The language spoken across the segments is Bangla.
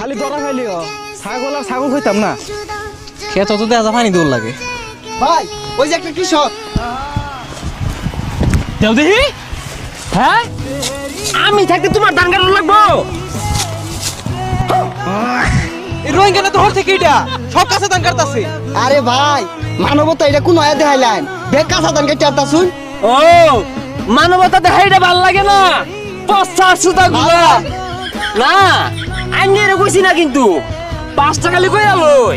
খালি দরা খাইলিও ছাগল আর ছাগল হইতাম না খেত তো দেখা পানি দৌড় লাগে ভাই ওই যে একটা কৃষক দেও দেখি হ্যাঁ আমি থাকতে তোমার ধান কাটা লাগবো রোহিঙ্গা না তো হর থেকে এটা সব কাছে দান কাটতাছে আরে ভাই মানবতা এটা কোন আয়া দেখাইলেন বেগ কাঁচা ধান কেটে আনতা শুন ও মানবতা দেখাইটা ভাল লাগে না পচা সুতা গুলা না আমি এর কইছি না কিন্তু 5 টাকা লিখই আলোই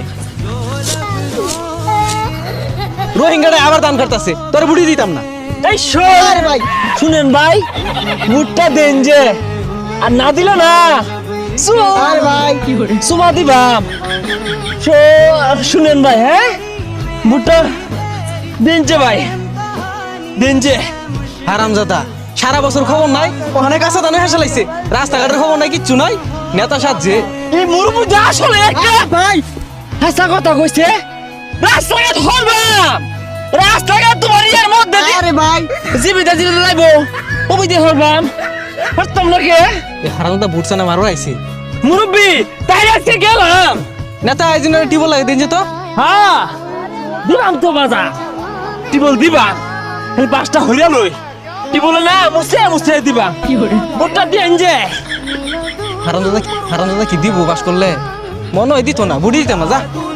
রোহিঙ্গাটা আবার দান কাটতাছে তোর বুড়ি দিতাম না এই শোন আরে ভাই শুনেন ভাই ভুট্টা দেন যে আর না দিলে না আরে ভাই সুমা দিবাম শুনেন ভাই হ্যাঁ ভুট্টা দেন যে ভাই দেন যে হারামজাদা সারা বছর খবর নাই ওখানে কাছে দানে হেসে লাইছে রাস্তাঘাটের খবর নাই কিচ্ছু নাই নেতা সাজছে এই মুরুবুদা আসলে একটা ভাই হাসা কথা কইছে রাস্তাঘাট হরবাম রাস্তাঘাট তোমার ইয়ার মধ্যে আরে ভাই জীবিত জীবিত লাইবো ওই দিয়ে হরবাম হরতাম না কে এই হারামজাদা বুটছে না মারো আইছে মুরব্বি তাই আজকে গেলাম নেতা আইজিনের টিবল লাগে দিন যে তো হ্যাঁ দিবাম তো বাজা টিবল দিবাম এই 5টা হইয়া লই টিবলে না মুছে মুছে দিবাম ভোটটা দিন যে হারামজাদা কি দিব বাস করলে মনে হয় দিত না বুড়ি দিতাম না যা